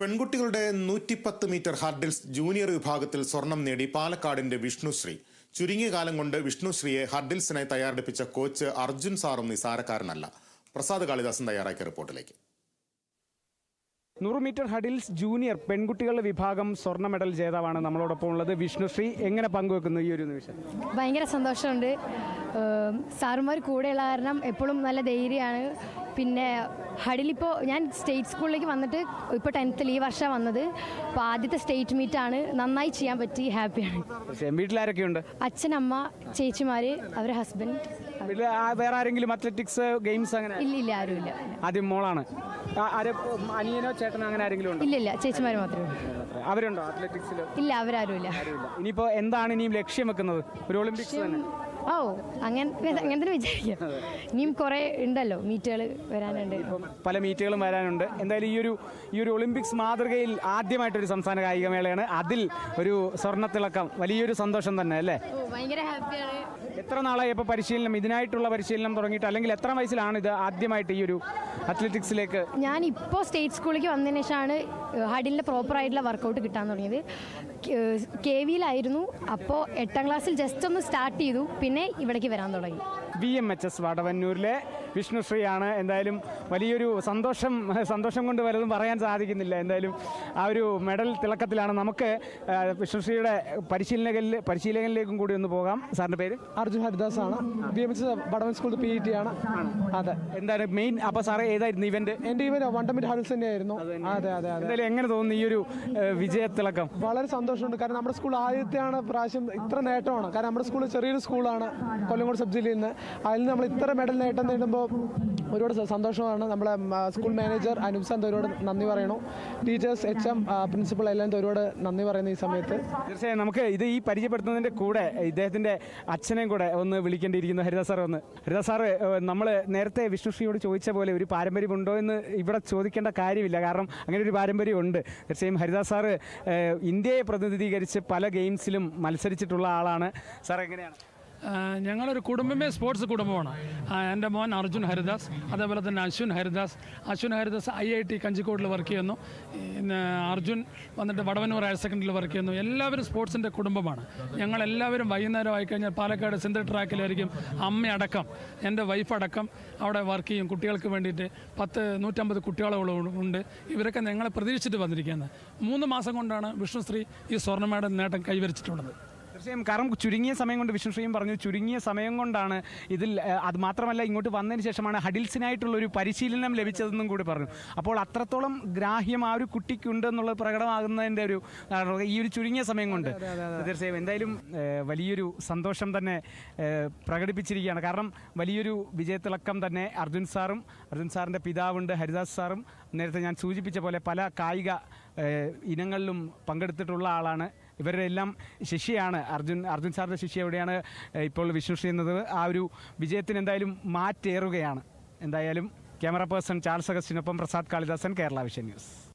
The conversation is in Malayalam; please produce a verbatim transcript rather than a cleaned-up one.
പെൺകുട്ടികളുടെ നൂറ്റിപ്പത്ത് മീറ്റർ ഹർഡിൽസ് ജൂനിയർ വിഭാഗത്തിൽ സ്വർണം നേടി പാലക്കാടിന്റെ വിഷ്ണുശ്രീ. ചുരുങ്ങിയ കാലം കൊണ്ട് വിഷ്ണുശ്രീയെ ഹർഡിൽസിനായി തയ്യാറെടുപ്പിച്ച കോച്ച് അർജുൻ സാറും നിസാരക്കാരനല്ല. പ്രസാദ് കാളിദാസൻ തയ്യാറാക്കിയ റിപ്പോർട്ടിലേക്ക്. നൂറ് മീറ്റർ ഹഡിൽസ് ജൂനിയർ പെൺകുട്ടികളുടെ വിഭാഗം സ്വർണ്ണ മെഡൽ ജേതാവാണ് നമ്മളോടൊപ്പം ഉള്ളത്. വിഷ്ണുശ്രീ എങ്ങനെ പങ്കുവെക്കുന്നു ഈ ഒരു നിമിഷം? ഭയങ്കര സന്തോഷമുണ്ട്. സാറുമാർ കൂടെയുള്ള കാരണം എപ്പോഴും നല്ല ധൈര്യമാണ്. പിന്നെ ഹഡിലിപ്പോൾ ഞാൻ സ്റ്റേറ്റ് സ്കൂളിലേക്ക് വന്നിട്ട് ഇപ്പോൾ ടെൻത്തിൽ ഈ വർഷം വന്നത്. അപ്പോൾ ആദ്യത്തെ സ്റ്റേറ്റ് മീറ്റാണ്. നന്നായി ചെയ്യാൻ പറ്റി, ഹാപ്പിയാണ്. വീട്ടിലാരൊക്കെയുണ്ട്? അച്ഛൻ, അമ്മ, ചേച്ചിമാർ, അവരുടെ ഹസ്ബൻഡ്. വേറെ ആരെങ്കിലും അത്ലറ്റിക്സ് ഗെയിംസ് അങ്ങനെ? ഇല്ല ഇല്ല ആരുമില്ല. ആദ്യം മോളാണ്. അനിയനോ ചേട്ടനോ അങ്ങനെ ആരെങ്കിലും ഉണ്ടോ? ഇല്ല ഇല്ല ചേച്ചിമാർ മാത്രമേ ഉള്ളൂ. അവരുണ്ടോ അത്ലറ്റിക്സിൽ? ഇല്ല, അവരാരുമില്ല. ഇനിയിപ്പോൾ എന്താണ് ഇനിയും ലക്ഷ്യം വെക്കുന്നത്? ഒരു ഒളിമ്പിക്സ് തന്നെ? ഓ അങ്ങനെ അങ്ങനെ തന്നെ വിചാരിക്കാം. ഇനിയും കുറേ ഉണ്ടല്ലോ മീറ്റുകൾ വരാനുണ്ട്. പല മീറ്റുകളും വരാനുണ്ട്. എന്തായാലും ഈ ഒരു ഈ ഒരു ഒളിമ്പിക്സ് മാതൃകയിൽ ആദ്യമായിട്ടൊരു സംസ്ഥാന കായികമേളയാണ്. അതിൽ ഒരു സ്വർണ്ണത്തിളക്കം, വലിയൊരു സന്തോഷം തന്നെ അല്ലേ? ഭയങ്കര ഹാപ്പിയാണ്. എത്ര നാളായി ഇപ്പോൾ പരിശീലനം, ഇതിനായിട്ടുള്ള പരിശീലനം തുടങ്ങിയിട്ട്? അല്ലെങ്കിൽ എത്ര വയസ്സിലാണ് ഇത് ആദ്യമായിട്ട് ഈ ഒരു അത്ലറ്റിക്സിലേക്ക്? ഞാൻ ഇപ്പോൾ സ്റ്റേറ്റ് സ്കൂളിലേക്ക് വന്നതിന് ശേഷമാണ് ഹഡിലിൻ്റെ പ്രോപ്പറായിട്ടുള്ള വർക്കൗട്ട് കിട്ടാൻ തുടങ്ങിയത്. കെ വിയിലായിരുന്നു. അപ്പോൾ എട്ടാം ക്ലാസ്സിൽ ജസ്റ്റ് ഒന്ന് സ്റ്റാർട്ട് ചെയ്തു, പിന്നെ ഇവിടേക്ക് വരാൻ തുടങ്ങി. വി എം എച്ച് എസ് വടവന്നൂരിലെ വിഷ്ണുശ്രീയാണ്. എന്തായാലും വലിയൊരു സന്തോഷം സന്തോഷം കൊണ്ട് വലുതും പറയാൻ സാധിക്കുന്നില്ല. എന്തായാലും ആ ഒരു മെഡൽ തിളക്കത്തിലാണ്. നമുക്ക് വിഷ്ണുശ്രീയുടെ പരിശീലനകളിൽ പരിശീലകനിലേക്കും കൂടി ഒന്ന് പോകാം. സാറിൻ്റെ പേര്? അർജുൻ ഹരിദാസ് ആണ്. B M H S Vadavan school P T ആണ്. അതെ. എന്താണ് മെയിൻ? അപ്പോൾ സാറേ ഏതായിരുന്നു ഇവന്റ്? എൻ്റെ ഇവന്റ് വൺ മീറ്റർ ഹഡിൽസ് തന്നെയായിരുന്നു. അതെ അതെ അതെ. എന്തായാലും എങ്ങനെ തോന്നുന്നു ഈ ഒരു വിജയത്തിളക്കം? വളരെ സന്തോഷമുണ്ട്. കാരണം നമ്മുടെ സ്കൂൾ ആദ്യത്തെയാണ് പ്രാവശ്യം ഇത്ര നേട്ടമാണ്. കാരണം നമ്മുടെ സ്കൂൾ ചെറിയൊരു സ്കൂളാണ്, കൊല്ലങ്കോട് സബ് ജില്ലയിൽ നിന്ന്. അതിൽ നിന്ന് നമ്മൾ ഇത്ര മെഡൽ നേട്ടം നേടുമ്പോൾ ഒരുപാട് സന്തോഷമാണ്. നമ്മളെ സ്കൂൾ മാനേജർ അനൂപ് സാർ ഒരുപാട് നന്ദി പറയണു. ടീച്ചേഴ്സ്, എച്ച് എം, പ്രിൻസിപ്പൾ എല്ലാം ഒരുപാട് നന്ദി പറയുന്നു ഈ സമയത്ത്. തീർച്ചയായും നമുക്ക് ഇത് ഈ പരിചയപ്പെടുത്തുന്നതിൻ്റെ കൂടെ ഇദ്ദേഹത്തിൻ്റെ അച്ഛനെയും കൂടെ ഒന്ന് വിളിക്കേണ്ടിയിരിക്കുന്നു. ഹരിദാസ് സാർ ഒന്ന്. ഹരിദാസ് സാറ്, നമ്മൾ നേരത്തെ വിഷ്ണുശ്രീയോട് ചോദിച്ച പോലെ ഒരു പാരമ്പര്യമുണ്ടോ എന്ന് ഇവിടെ ചോദിക്കേണ്ട കാര്യമില്ല, കാരണം അങ്ങനെ ഒരു പാരമ്പര്യമുണ്ട്. തീർച്ചയായും ഹരിദാസ് സാറ് ഇന്ത്യയെ പ്രതിനിധീകരിച്ച് പല ഗെയിംസിലും മത്സരിച്ചിട്ടുള്ള ആളാണ്. സാർ എങ്ങനെയാണ്? ഞങ്ങളൊരു കുടുംബമേ സ്പോർട്സ് കുടുംബമാണ്. എൻ്റെ മോൻ അർജുൻ ഹരിദാസ്, അതേപോലെ തന്നെ Ashwin Haridas. Ashwin Haridas I I T കഞ്ചിക്കോട്ടിൽ വർക്ക് ചെയ്യുന്നു. അർജുൻ വന്നിട്ട് വടവന്നൂർ ഹയർ സെക്കൻഡറിയിൽ വർക്ക് ചെയ്യുന്നു. എല്ലാവരും സ്പോർട്സിൻ്റെ കുടുംബമാണ്. ഞങ്ങളെല്ലാവരും വൈകുന്നേരം ആയിക്കഴിഞ്ഞാൽ പാലക്കാട് സിന്തർ ട്രാക്കിലായിരിക്കും. അമ്മയടക്കം, എൻ്റെ വൈഫടക്കം അവിടെ വർക്ക് ചെയ്യും. കുട്ടികൾക്ക് വേണ്ടിയിട്ട് പത്ത് നൂറ്റമ്പത് കുട്ടികളോളം ഉണ്ട്. ഇവരൊക്കെ ഞങ്ങളെ പ്രതീക്ഷിച്ചിട്ട് വന്നിരിക്കുന്നത്. മൂന്ന് മാസം കൊണ്ടാണ് വിഷ്ണുശ്രീ ഈ സ്വർണ്ണ മെഡൽ നേട്ടം കൈവരിച്ചിട്ടുള്ളത്. തീർച്ചയായും. കാരണം ചുരുങ്ങിയ സമയം കൊണ്ട്, വിഷ്ണുശ്രീയും പറഞ്ഞു, ചുരുങ്ങിയ സമയം കൊണ്ടാണ് ഇതിൽ. അത് മാത്രമല്ല, ഇങ്ങോട്ട് വന്നതിന് ശേഷമാണ് ഹഡിൽസിനായിട്ടുള്ളൊരു പരിശീലനം ലഭിച്ചതെന്നും കൂടി പറഞ്ഞു. അപ്പോൾ അത്രത്തോളം ഗ്രാഹ്യം ആ ഒരു കുട്ടിക്കുണ്ടെന്നുള്ളത് പ്രകടമാകുന്നതിൻ്റെ ഒരു ഈ ഒരു ചുരുങ്ങിയ സമയം കൊണ്ട്. തീർച്ചയായും. എന്തായാലും വലിയൊരു സന്തോഷം തന്നെ പ്രകടിപ്പിച്ചിരിക്കുകയാണ്. കാരണം വലിയൊരു വിജയത്തിളക്കം തന്നെ. അർജുൻ സാറും, അർജുൻ സാറിൻ്റെ പിതാവുണ്ട് ഹരിദാസ് സാറും, നേരത്തെ ഞാൻ സൂചിപ്പിച്ച പോലെ പല കായിക ഇനങ്ങളിലും പങ്കെടുത്തിട്ടുള്ള ആളാണ്. ഇവരുടെ എല്ലാം ശിഷ്യയാണ് അർജുൻ. അർജുൻ സാറിൻ്റെ ശിഷ്യ എവിടെയാണ് ഇപ്പോൾ വിഷ്ണുശ്രീ എന്നത്. ആ ഒരു വിജയത്തിന് എന്തായാലും മാറ്റേറുകയാണ്. എന്തായാലും ക്യാമറ പേഴ്സൺ ചാൾസ് അഗസ്റ്റിനൊപ്പം പ്രസാദ് കാളിദാസൻ, കേരള വിഷൻ ന്യൂസ്.